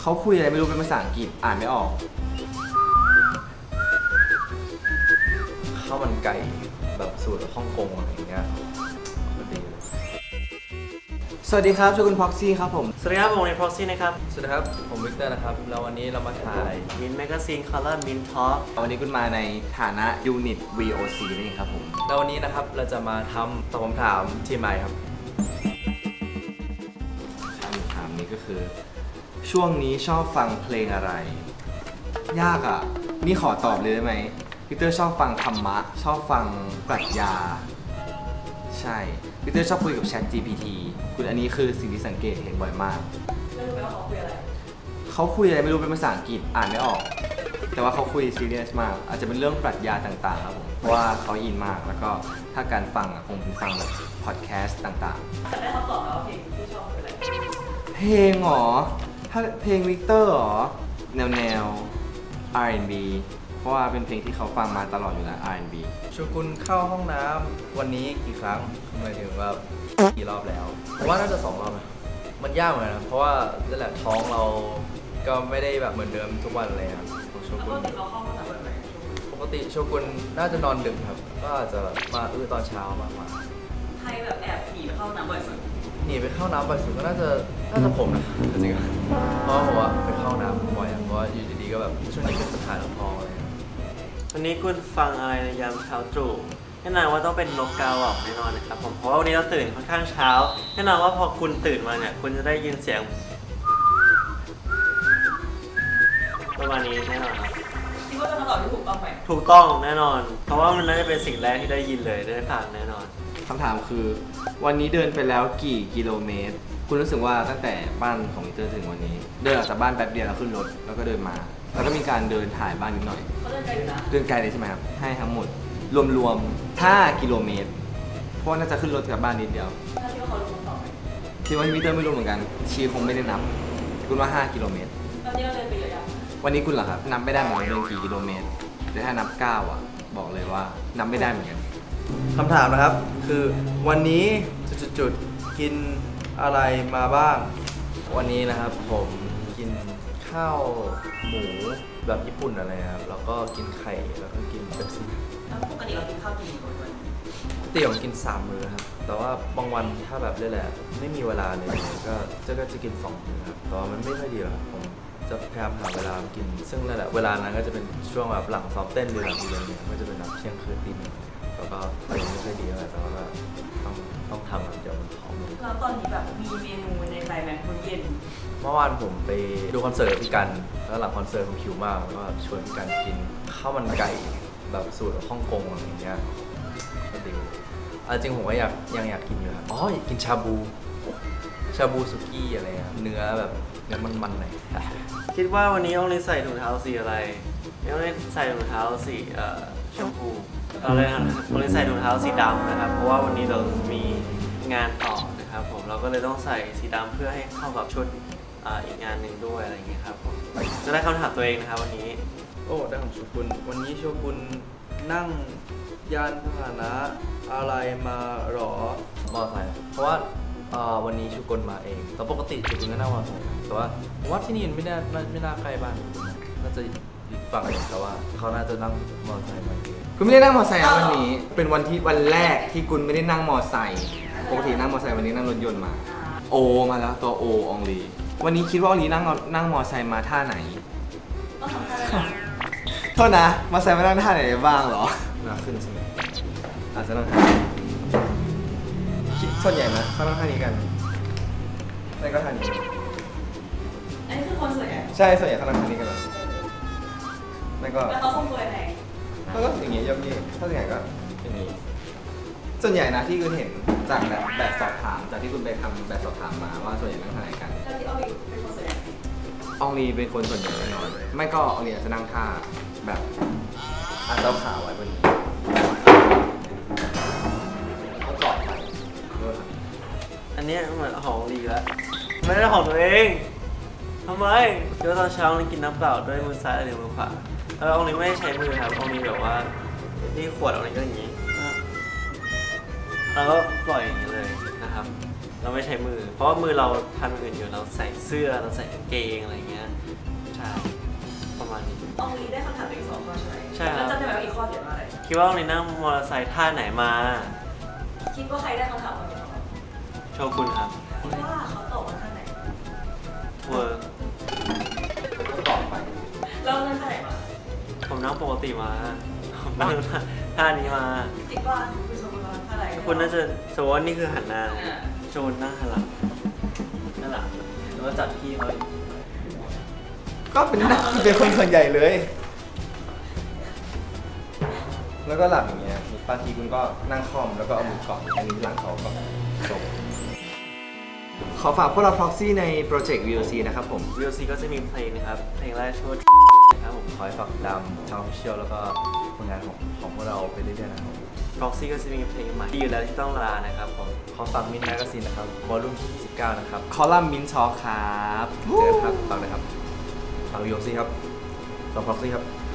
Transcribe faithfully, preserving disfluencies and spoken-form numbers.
เขาคุยอะไรไม่รู้เป็นภาษาอังกฤษอ่านไม่ออกข้าวมันไก่แบบสูตรฮ่องกงอะไรอย่างเงี้ยมันดีเลยสวัสดีครับชื่อคุณพ็อกซี่ครับผมสวัสดีครับผมใน Proxy นะครับสวัสดีครับผมวิกเตอร์นะครับแล้ววันนี้เรามาถ่าย Mint Magazine Color Mint Talk วันนี้คุณมาในฐานะยูนิต วี โอ ซี นี่ครับผมแล้ววันนี้นะครับเราจะมาทำตอบคำถามทีมไมค์ครับคำถามนี้ก็คือช่วงนี้ชอบฟังเพลงอะไรยากอ่ะนี่ขอตอบเลยได้ไหมวิกเตอร์ชอบฟังธรรมะชอบฟังปรัชญาใช่วิกเตอร์ชอบคุยกับ Chat จี พี ที คุณอันนี้คือสิ่งที่สังเกตเห็นบ่อยมากไม่รู้ไหมว่าเขาคุยอะไรเขาคุยอะไรไม่รู้เป็นภาษาอังกฤษอ่านไม่ออกแต่ว่าเขาคุยซีเรียสมากอาจจะเป็นเรื่องปรัชญาต่างๆครับผมเพราะว่าเขาอินมากแล้วก็ถ้าการฟังคงเป็นฟังแบบพอดแคสต์ต่างๆแต่ได้คำตอบแล้วเพลงที่ชอบคืออะไรเพลงหรอถ้าเพลงวิกเตอร์หรอแนวแนว อาร์ แอนด์ บี เพราะว่าเป็นเพลงที่เขาฟังมาตลอดอยู่แล้ว อาร์ แอนด์ บี ชูกุลเข้าห้องน้ำวันนี้กี่ครั้งหมายถึงว่ากี่รอบแล้วเพราะว่าน่าจะสองรอบนะมันยากเหมือนกันนะเพราะว่านั่นแหละท้องเราก็ไม่ได้แบบเหมือนเดิมทุกวันเลยครับโชกุนปกติโชกุนน่าจะนอนดึกครับก็อาจจะมาอื้อตอนเช้ามากกว่าใครแบบแอบหนีไปเข้าน้ำบ่อยสุดหนีไปเข้าน้ำบ่อยสุดก็น่าจะน่าจะผมนะจริงๆเพราะผมว่าไปเข้าน้ำบ่อยเพราะว่าอยู่ดีๆก็แบบช่วงนี้เป็นปัญหาท้องอะไรวันนี้คุณฟังอะไรในยามเช้าตรู่แน่นอนว่าต้องเป็นนกกาหวอกแน่นอนนะครับผมเพราะว่าวันนี้เราตื่นค่อนข้างเช้าแน่นอนว่าพอคุณตื่นมาเนี่ยคุณจะได้ยินเสียงประมาณนี้แน่นอนครับคิดว่าเป็นคำตอบที่ถูกต้องไหมถูกต้องแน่นอนเพราะว่ามันน่าจะเป็นสิ่งแรกที่ได้ยินเลยได้ฟังแน่นอนคำถามคือวันนี้เดินไปแล้วกี่กิโลเมตรคุณรู้สึกว่าตั้งแต่บ้านของวิกเตอร์ถึงวันนี้เดินออกจากบ้านแป๊บเดียวแล้วขึ้นรถแล้วก็เดินมาแล้วก็มีการเดินถ่ายบ้านนิดหน่อยเขาเดินไกลอยู่นะเดินไกลเลยใช่ไหมครับให้ทั้งหมดรวมๆห้ากิโลเมตรเพราะน่าจะขึ้นรถกลับบ้านนิดเดียวถ้าคิดว่าเขารู้คำตอบไหมคิดว่าวิกเตอร์ไม่รู้เหมือนกันชีคงไม่ได้นับคุณว่าห้ากิโลเมตรตอนนี้เราเดินไปเยอะยังวันนี้คุณเหรอครับนับไม่ได้เหมือนกันเดินกี่กิโลเมตรแต่ถ้านับเก้าอ่ะบอกเลยว่านับไม่ได้เหมือนกันคำถามนะครับคือวันนี้จุดๆกินอะไรมาบ้างวันนี้นะครับผมกินข้าวหมูแบบญี่ปุ่นอะไรครับแล้วก็กินไข่แล้วก็กินเป๊ปซี่แล้วปกติเรากินข้าวกี่มื้อวันเตี๋ยวกินสามมื้อครับแต่ว่าบางวันถ้าแบบเรื่อยๆไม่มีเวลาเลยก็จะก็จะกินสองมื้อครับแต่ว่ามันไม่ค่อยดีหรอกผมจะพยายามหาเวลากินซึ่งนั่นแหละเวลานั้นก็จะเป็นช่วงแบบหลังซ้อมเต้นหรือหลังอีเวนต์เนี่ยก็จะเป็นแบบเที่ยงคืนตีหนึ่งแล้วก็อะไรไม่ค่อยดีเลยแต่ว่าต้องต้องทำเดี๋ยวมันท้องแล้วตอนนี้แบบมีเมนูในใจไหมมื้อเย็นเมื่อวานผมไปดูคอนเสิร์ตพี่กันแล้วหลังคอนเสิร์ตผมหิวมากแล้วก็ชวนพี่กันกินข้าวมันไก่แบบสูตรฮ่องกงอะไรอย่างเงี้ยก็ดีจริงผมก็อยากยังอยากกินอยู่ครับอ๋ออยากกินชาบูชาบูสุกี้อะไรอะเนื้อแบบเนื้อมันๆหน่อยคิดว่าวันนี้องลีใส่ถุงเท้าสีอะไรองลีใส่ถุงเท้าสีเอ่อชมพูเราเลยองลีใส่ถุงเท้าสีดำนะครับเพราะว่าวันนี้เรามีงานต่อนะครับผมเราก็เลยต้องใส่สีดำเพื่อให้เข้ากับชุดอีกงานหนึ่งด้วยอะไรอย่างเงี้ยครับผมจะได้คำถามตัวเองนะครับวันนี้โอ้ได้ของโชกุนวันนี้โชกุนนั่งยานพาหนะอะไรมาหรอมอเตอร์ไซค์เพราะว่าวันนี้โชกุนมาเองแต่ปกติโชกุนก็นั่งมอเตอร์ไซค์แต่ว่าผมว่าที่นี่ไม่น่าไม่น่าใกล้บ้านน่าจะอีกฝั่งนึงแต่ว่าเขาน่าจะนั่งมอเตอร์ไซค์มาเองคุณไม่ได้นั่งมอเตอร์ไซค์วันนี้เป็นวันที่วันแรกที่คุณไม่ได้นั่งมอเตอร์ไซค์ปกตินั่งมอเตอร์ไซค์วันนี้นั่งรถยนต์มาโอมาแล้วตัวโออองลีวันนี้คิดว่าอองลีนั่งนั่งมอเตอร์ไซค์มาท่าไหนต้องทำท่าอะไรโทษนะมอเตอร์ไซค์มานั่งท่าไหนบ้างเหรอน่าขึ้นใช่ไหมอาจจะนั่งท่าส่วนใหญ่นะเขานั่งท่านี้กันแล้วก็ท่านี้อันนี้คือคนส่วนใหญ่ใช่ส่วนใหญ่เขานั่งท่านี้กันแล้วแล้วก็แล้วเขาทรงตัวยังไงก็อย่างงี้ยกยี่ถ้าส่วนใหญ่ก็อย่างนี้ส่วนใหญ่นะที่คุณเห็นจากแบบแบบสอบถามจากที่คุณไปทำแบบสอบถามมาว่าส่วนใหญ่นั่งท่าไหนกันแล้วที่อองลีเป็นคนส่วนใหญ่อองลีเป็นคนส่วนใหญ่แน่นอนไม่ก็อองลีอาจจะนั่งท่าแบบอาจจะขาไว้บนนี้แล้วกอดไปอันนี้เหมือนของลีแล้วไม่ได้ของตัวเองทำไมเดี๋ยวตอนเช้าเรากินน้ำเปล่าด้วยมือซ้ายหรือมือขวาแล้วองลีไม่ได้ใช้มือครับองลีแบบว่านี่ขวดองลีก็อย่างนี้แล้วก็ปล่อยอย่างนี้เลยนะครับเราไม่ใช้มือเพราะว่ามือเราทำอื่นอยู่เราใส่เสื้อเราใส่กางเกงอะไรเงี้ยใช่ประมาณนี้อองลีได้คำถามไปอีกสองข้อใช่ไหมใช่ครับแล้วจำได้ไหมว่าอีกข้อเขียนว่าอะไรคิดว่าวันนี้นั่งมอเตอร์ไซค์ท่าไหนมาคิดว่าใครได้คำถามมาเป็นข้อโชกุนครับคิดว่าเขาตอบว่าท่าไหนเวอร์ก็ตอบไปแล้วนั่นท่าไหนมาผมนั่งปกติมาผมนั่งท่านี้มาคิดว่าคุณชมว่าท่าไหนคุณน่าจะสมมติว่านี่คือหันหน้าอ่าโจนนั่งหันหลังนั่นหลังแล้วก็จัดพี่เขาอีกก็เป็นหน้าเป็นคนส่วนใหญ่เลยแล้วก็หลังอย่างเงี้ยบางทีคุณก็นั่งคอมแล้วก็เอามือเกาะอันนี้หลังเขาก็จบขอฝากพวกเรา proxy ในโปรเจกต์ วี แอล ซี นะครับผมวี แอล ซี ก็จะมีเพลงนะครับ เพลงแรกชื่อว่านะครับผมขอให้ฝากติดตามทาง official แล้วก็ผลงานของของพวกเราไปเรื่อยๆนะครับ Proxy ก็จะมีเพลงใหม่ที่อยู่แล้วที่ต้องลานะครับผมขอฝากมินแมกซีนนะครับวอลลุ่มที่ยี่สิบเก้านะครับคอลัมน์มินช็อคครับเจอกันครับฝากเลยครับฝากวิโอซี่ครับฝากพ็อกซี่ครับ